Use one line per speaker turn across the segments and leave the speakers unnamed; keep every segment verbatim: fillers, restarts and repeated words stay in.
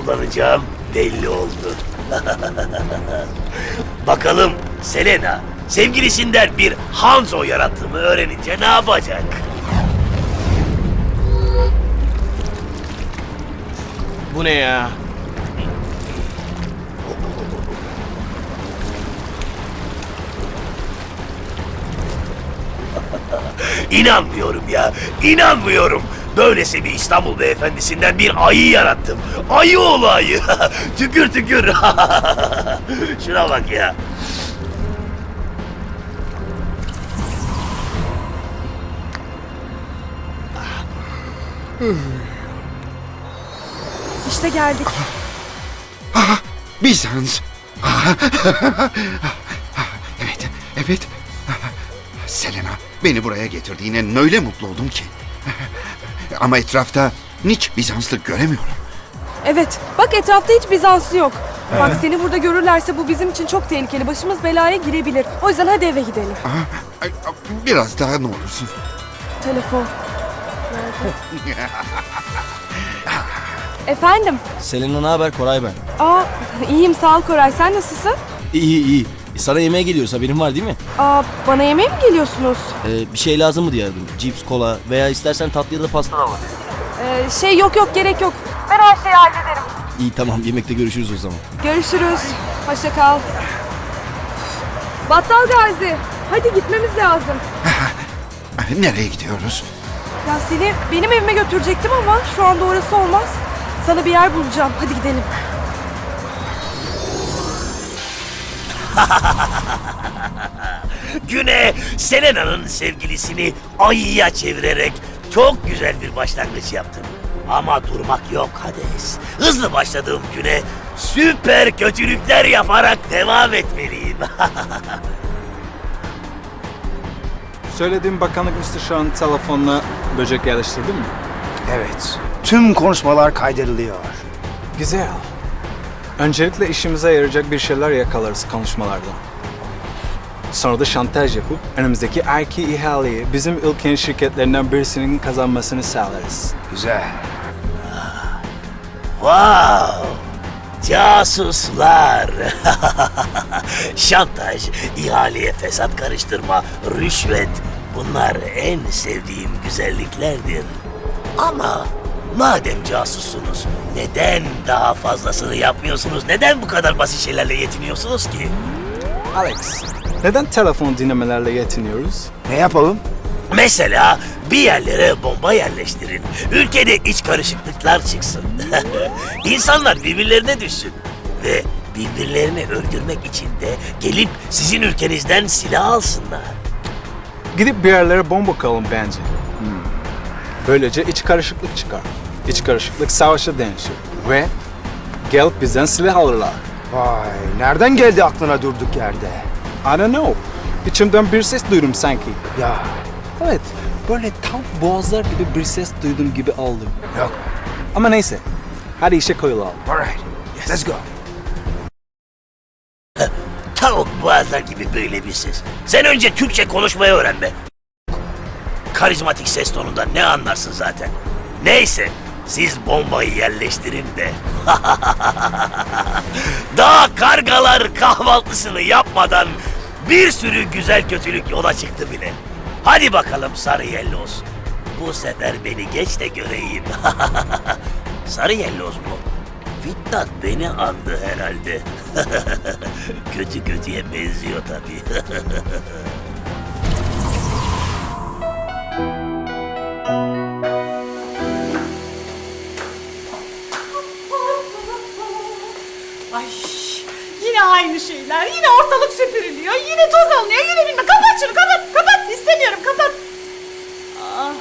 kullanacağım belli oldu. Bakalım Selena sevgilisinden bir Hanzo yarattığımı öğrenince ne yapacak?
Bu ne ya?
İnanmıyorum ya, inanmıyorum. Böylesi bir İstanbul beyefendisinden bir ayı yarattım. Ayı oğlu ayı. Tükür tükür. Şuna bak ya.
İşte geldik.
Bizans. Evet, evet. Selena, beni buraya getirdiğine öyle mutlu oldum ki. Ama etrafta hiç Bizanslı göremiyorum.
Evet, bak etrafta hiç Bizanslı yok. Bak seni burada görürlerse bu bizim için çok tehlikeli. Başımız belaya girebilir. O yüzden hadi eve gidelim.
Biraz daha ne olursun.
Telefon. Efendim?
Selena ne haber? Koray ben.
Aa, iyiyim sağ ol Koray. Sen nasılsın?
İyi iyi. Sana yemeğe geliyoruz, haberin var değil mi?
Aa, bana yemeğe mi geliyorsunuz?
Ee, bir şey lazım mı diye aradım. Cips, kola veya istersen tatlı ya da pasta da var.
Ee, şey yok yok gerek yok. Ben her şeyi hallederim.
İyi tamam, yemekte görüşürüz o zaman.
Görüşürüz. Hoşça kal. Battal Gazi. Hadi gitmemiz lazım.
Nereye gidiyoruz?
Ya seni benim evime götürecektim ama şu anda orası olmaz. Sana bir yer bulacağım. Hadi gidelim.
Güne Selena'nın sevgilisini ayıya çevirerek çok güzel bir başlangıç yaptım. Ama durmak yok Hades. Hızlı başladığım güne süper kötülükler yaparak devam etmeliyim.
Söylediğim bakanlık müsteşarının telefonuna böcek yerleştirdin mi?
Evet. Tüm konuşmalar kaydediliyor.
Güzel. Öncelikle işimize yarayacak bir şeyler yakalarız konuşmalardan. Sonra da şantaj yapıp önümüzdeki erki ihaleyi bizim ülkenin şirketlerinden birisinin kazanmasını sağlarız.
Güzel.
Wow! Casuslar! Şantaj, ihaleye fesat karıştırma, rüşvet. Bunlar en sevdiğim güzelliklerdir. Ama madem casussunuz, neden daha fazlasını yapmıyorsunuz? Neden bu kadar basit şeylerle yetiniyorsunuz ki?
Alex, neden telefon dinlemelerle yetiniyoruz?
Ne yapalım?
Mesela bir yerlere bomba yerleştirin. Ülkede iç karışıklıklar çıksın. İnsanlar birbirlerine düşsün. Ve birbirlerini öldürmek için de gelip sizin ülkenizden silah alsınlar.
Gidip bir yerlere bomba koyalım bence. Hmm. Böylece iç karışıklık çıkar. İç karışıklık savaşa dönüşür. Ve gelip bizden silah alırlar.
Vay, nereden geldi aklına durduk yerde?
I don't know. İçimden bir ses duydum sanki.
Ya,
Evet, böyle tam boğazlar gibi bir ses duydum gibi oldum.
yok.
Ama neyse, hadi işe koyulalım.
Alright, let's go.
Tavuk boğazlar gibi böyle bir ses. Sen önce Türkçe konuşmayı öğren be. Karizmatik ses tonundan ne anlarsın zaten. Neyse, siz bombayı yerleştirin de. Daha kargalar kahvaltısını yapmadan bir sürü güzel kötülük yola çıktı bile. Hadi bakalım Sarı Yelloz. Bu sefer beni geç de göreyim. Sarı Yelloz mu? Fitnat beni andı herhalde. Kötü kötüye benziyor tabii.
Ay yine aynı şeyler. Yine ortalık süpürülüyor. Yine toz alınıyor. Yine bilmem. Kapat şunu kapat. Kapat. İstemiyorum kapat. Aa.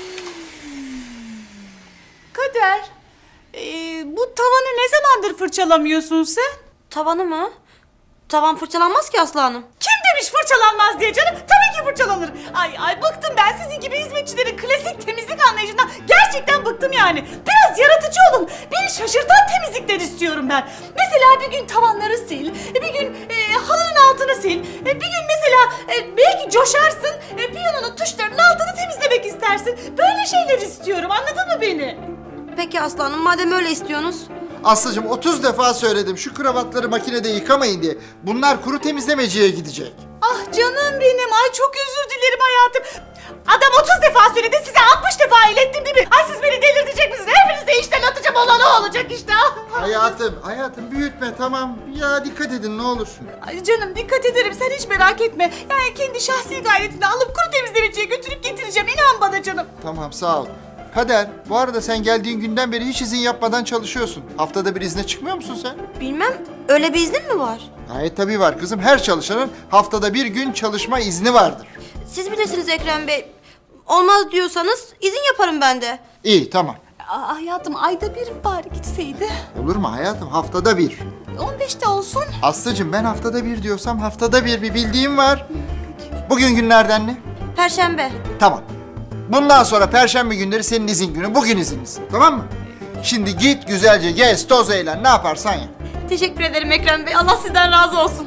Kader. Ee, bu tavanı ne zamandır fırçalamıyorsun sen?
Tavanı mı? Tavan fırçalanmaz ki Aslı Hanım.
Kim demiş fırçalanmaz diye canım? Tabii ki fırçalanır. Ay ay bıktım ben sizin gibi hizmetçilerin klasik temizlik anlayışından. Gerçekten bıktım yani. Biraz yaratıcı olun. Beni şaşırtan temizlikler istiyorum ben. Mesela bir gün tavanları sil. Bir gün e, halının altını sil. E, bir gün mesela e, belki coşarsın. E, piyanonun tuşlarının altını temizlemek istersin. Böyle şeyler istiyorum. Anladın mı beni?
Peki Aslı Hanım, madem öyle istiyorsunuz.
Aslıcığım otuz defa söyledim şu kravatları makinede yıkamayın diye. Bunlar kuru temizlemeciye gidecek.
Ah canım benim. Ay çok özür dilerim hayatım. Adam otuz defa söyledi, size altmış defa ilettim değil mi? Ay siz beni delirtecek misiniz? Hepinizi de işten atacağım, olan o olacak işte.
Hayatım, hayatım büyütme tamam. Ya dikkat edin ne olur.
Ay canım dikkat ederim, sen hiç merak etme. Yani kendi şahsi gayretini alıp kuru temizlemeciye götürüp getireceğim. İnan bana canım.
Tamam sağ ol. Kader, bu arada sen geldiğin günden beri hiç izin yapmadan çalışıyorsun. Haftada bir izne çıkmıyor musun sen?
Bilmem, öyle bir iznin mi var?
Gayet tabii var kızım. Her çalışanın haftada bir gün çalışma izni vardır.
Siz bilirsiniz Ekrem Bey. Olmaz diyorsanız izin yaparım ben de.
İyi tamam.
Aa, hayatım ayda bir bari gitseydi.
Olur mu hayatım? Haftada bir.
on beşte olsun.
Aslıcığım ben haftada bir diyorsam haftada bir bir bildiğim var. Bugün günlerden ne?
Perşembe.
Tamam. Bundan sonra perşembe günleri senin izin günü. Bugün izinlisin. Tamam mı? Şimdi git güzelce gez, toz eğlen. Ne yaparsan yap.
Teşekkür ederim Ekrem Bey. Allah sizden razı olsun.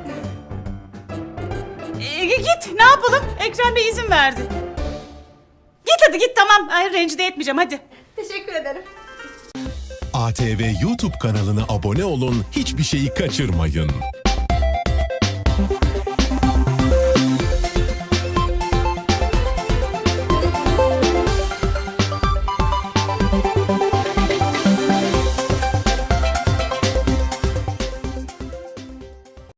Ee, git ne yapalım? Ekrem Bey izin verdi. Git hadi git tamam. Ay rencide etmeyeceğim hadi.
Teşekkür ederim.
A T V YouTube kanalına abone olun, hiçbir şeyi kaçırmayın.